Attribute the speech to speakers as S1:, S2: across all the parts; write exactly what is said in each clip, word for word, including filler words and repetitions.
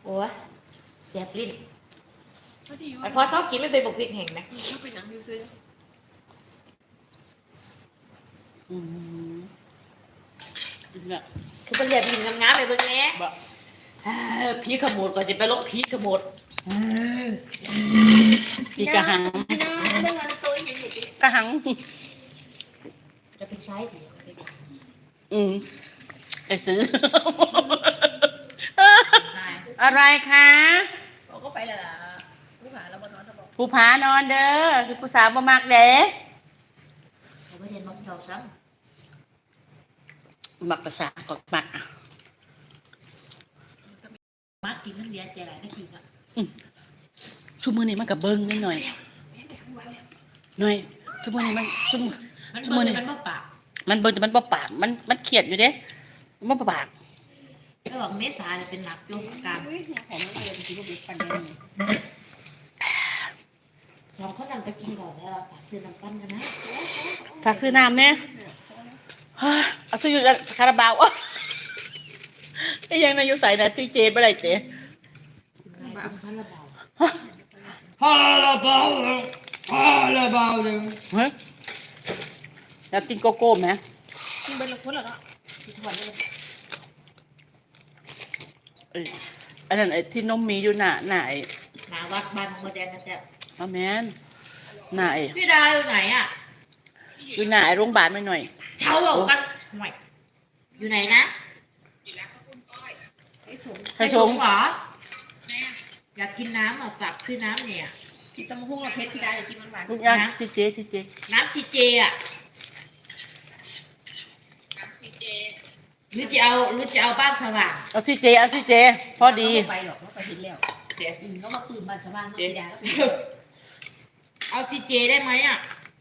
S1: โอ้ยเสียบลิ้น
S2: พอดีว่า
S1: แต่พอชอบกินไม่เป็นบกพริกแห้งนะ
S2: ชอบไปหนังซื้อ
S3: อืมเนี่ย
S1: คือเป็นเหลี่ยมหินงามๆไปเบิ่งแหน่
S3: บะผีขโมดก่อนสิไปลบผีขโมดผีกระหังกระหัง
S1: จะเป็นใช้ดี
S3: อืมไปซื้อ
S1: นาย
S3: อะไรคะ
S2: เขาก็ไปแล้วล่ะผู้หาแล้วบนนอนเขาบอก
S3: ผู้ผานอนเด้อคือผู้สาวบ่มักเด้
S1: เขาไม่เรียนมักเจ้าซ้
S3: มักภาษาก็มัก
S1: ำมักกินมันเรียนใจหลายนาทีอ่ะ
S3: ทุกมื้อนี้มันก็เบิ่งนิดหน่อยหน่อยทุกมื้อนี้มันทุกมื้อ
S1: มัน
S3: ทุก
S1: เบิ่
S3: มื้อง นี้
S1: มันบ่ปาก
S3: มันเบิ่งแต่มันบ่ปากมันมันเครียดอยู่เด้มันบ่ปาก
S1: แล้วบอกเมษาเนี่ยเป็นหนักอยู่กลาง
S2: ของมันเลยจริงๆก็เป็นปันเดียวนี่
S1: สองเขานำไปกินก่อนแล้วฝากซื้อน้ำปั้นกันนะ
S3: ฝากซื้อน้ำแน่เฮ้ยเอาซื้ออยู่คาราบาวอ๊ะไอ้ยังนายอยู่ใส่น่ะซื้อเจบ่ได้เจ
S1: บ้าพันละเบา
S3: คาราบาวคาราบาวเลยเฮ้ยอยากกินโกโก้ไหม
S2: กินเป็นละคนแล้วเนาะ
S1: สิถอนเลย
S3: เอ้ยอันนั้นไอ้ที่นมมีอยู่หน้าหน้าไอ้
S1: หนาวัดบ้านของโมแดงกันแต่
S3: อาแมนหน้าไอ้
S1: พี่ดาอยู่ไหนอ่ะ
S3: อยู่หน้าไอ้โรงพยาบาลไม่หน่อย
S1: เช่าเอากันห่วยอยู่ไหนนะ
S2: ไอ้สม
S3: ให้ชง
S1: เหรออยากกินน้ำอ่ะฝากซื้อน้ำเนี่ย
S2: กินตำมะฮุ่งเราเพชรพี่ได้กินมันหวาน
S3: ทุกอย่างที่เจที่เจ
S1: น้ำชีเจอ่ะหรือจะเอาหรือจะเอาบ้านสว่าง
S3: เอาสิเจเอาสิเจพอดี
S2: ไปหรอกเขาไปเห็นแล้ว
S1: เดี๋ยว
S2: อืมเขามาปืนบันสว่างมาพี่ดาแล้วปืน
S1: เอาชีเจได้ไหมอ่ะ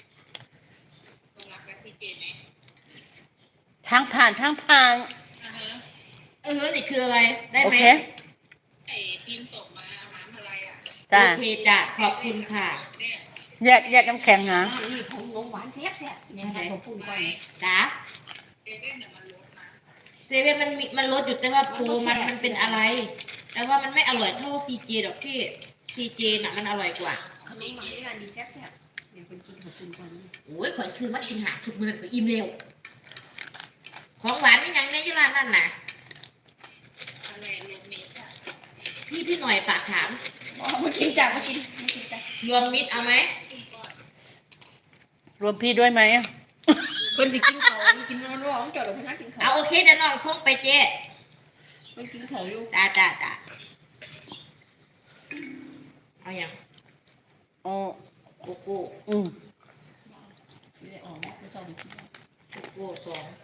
S3: ทางผ่านทางผ่าน
S1: เออนี่คืออะไรได้
S3: โอ
S1: ไหม
S3: เค
S4: ไอ้ทีมส่งมาร้านอะไรอ่ะ
S3: จ้า
S1: โอเคจ้ะขอบคุณค่ะ
S3: แยกแยกน้ำแข็งนะ
S2: นี่ของน้องหวานแซ่บแซ่บเนี่ยให้เขาพูดก่อน
S1: จ้า
S4: เซเว่นเนี่ยมันลดนะ
S1: เซเว่นมันมีมันลดอยู่แต่ว่าโปรมันมันเป็นอะไร แต่ว่ามันไม่อร่อยเท่าซีเจหรอกพี่ซีเจน่ะมันอร่อยกว่า
S2: ขนมหวานที่ร้านดีแซ่บแซ่บเนี่ยคนกินเขาพูดก่อน
S1: โอ้ยข่อยซื้อมากินหาทุกมื้อก็อิ่มเร็วของหวานไม่ยังในยี่ร้านนั่นน่ะ
S4: อะไรโรเมสอ่ะ
S1: พี่พี่หน่อยฝากถาม
S2: มากินจ้ะมากินมากินจ้ะ
S1: รวมมิตรเอาไหม
S3: รวมพี่ด้วยไหม
S2: คนสิกินเขากินมันร้องจอดลงมากินเขา
S1: เอาโอเคเดี๋ยวน้องส่งไปเจ๊
S2: มันกินเขาอยู่
S1: จ้าจ้าจ้าเอาอย่าง
S3: อ๋อ
S1: โกโก้
S3: อืม
S2: ไม่ได้ออกไม่ชอบกิน
S1: โกโก้สอง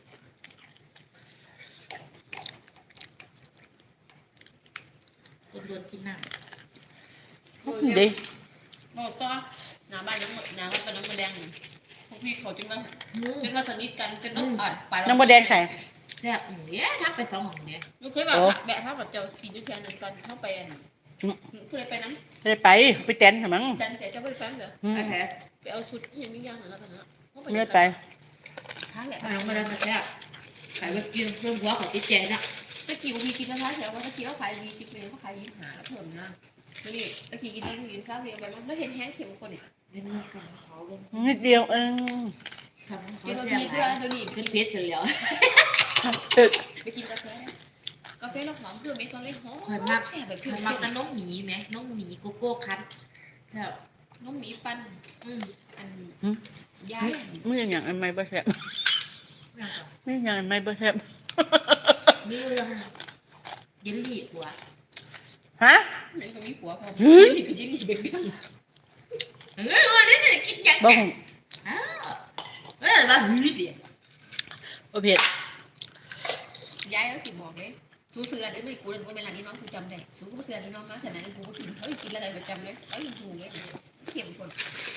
S1: ต้นเดือนที่นั่ง
S3: ดี
S2: หมดตัวหน้าบ้านน้ำหมดน้ำมันเป็นน้ำมันแดงพวกพี่เขาจนมา
S1: อืม
S2: จนมาสนิทกันจนต้องอ่านไป
S3: น้ำมะแดงใส่
S1: แซ่บอืมเนี่ยทักไปสองของเนี่ย
S2: ลูกเคยแบบแบบภาพแบบเจ้าสีนุ่งแทนตอนเข้าไปอ่ะเคยไปน้ำ
S3: ได้ไปไปเต้นเหรอมั้ง
S2: จันแต่เจ้าไปแฟมเหรอ
S3: อืม
S1: ไอ้แท้
S2: ไปเอาชุดยังไม่ย่างเหรอแล้วกันนะ
S3: ไม่ได้ไป
S2: ท้าแหละ
S1: มาลงมาแล้วมาแซ่บขายไปกินเพิ่มหัวของจิ๊เจนะ
S2: ตะกี้บางทีกินแล้วท้าแถวว่าตะกี้เขาขายดีจริงเลยเขาขายยิ้มหาเพิ่มนะนี่ตะกี้กินตะกี้กินซาเวียไปมันไม่เห็นแห้งเข็มคนเนี่ย
S1: เล่นนี่กันเขาเล่น
S3: นิดเดียวเอง
S1: ทำให้เขา
S2: กินบาง
S1: แซ่บ
S2: ที
S1: ห
S2: เพื่อ
S1: ลาย
S2: เดี๋ยวนี้
S1: ขึ้นเพชรเสร็จแล้ว
S3: ตึก
S2: ไปกินกาแฟกาแฟเราหอมเพื่อไม่ต้องเลยหอม
S1: ข่อยมาก
S2: แซ่บแบบ
S1: ข่
S2: เพื่
S1: อ
S2: อย น
S1: มากน้องหมีไหมน้องหมีโกโก้คัทแบบ
S2: น้องหมีปัน
S1: อืม
S2: อัน
S3: หืม
S2: ยา
S3: ไม่อย่างอย่างอันไม่บ่แซ่บ
S1: อย่างก่อน
S3: ไม่อย่างอันไม่บ่แซ่บ
S1: มีเรื่องเยลลี่หัว
S3: ฮะ
S2: เหมือนกับมีผัวพอ
S3: เฮ้ย
S2: ยี่กับยี่ลี่เบบี้
S1: เฮ้ยวันนี้จะกินยัง
S3: บ่
S1: ไง
S3: หู
S1: อ้าวเฮ้ยว่าหืดเดียว
S3: บ่เผ็ด
S2: ยายแล้วสิบอกเลยสู้เสือได้ไม่กูเลยว่าเวลานี้น้องกูจำได้สู้กูเสือที่น้องมาแต่ไหนกูก็กินเฮ้ยกินอะไรประจำเลยไอ้ยังถูกเลยเข็มคน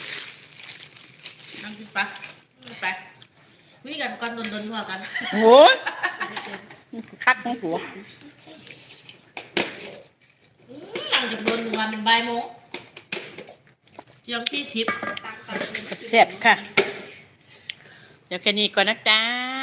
S1: นั่งกินปะไปคุยกันก่อนโดนๆทั่วกัน
S3: โอ้ยคักของหัว
S1: อืมหลังจากโดนวันเป็นบ่ายโมงเที่ยงที่สิบ
S2: ตังตัง
S3: แซ่บค่ะ เดี๋ยวแค่นี้ก่อนนะจ๊ะ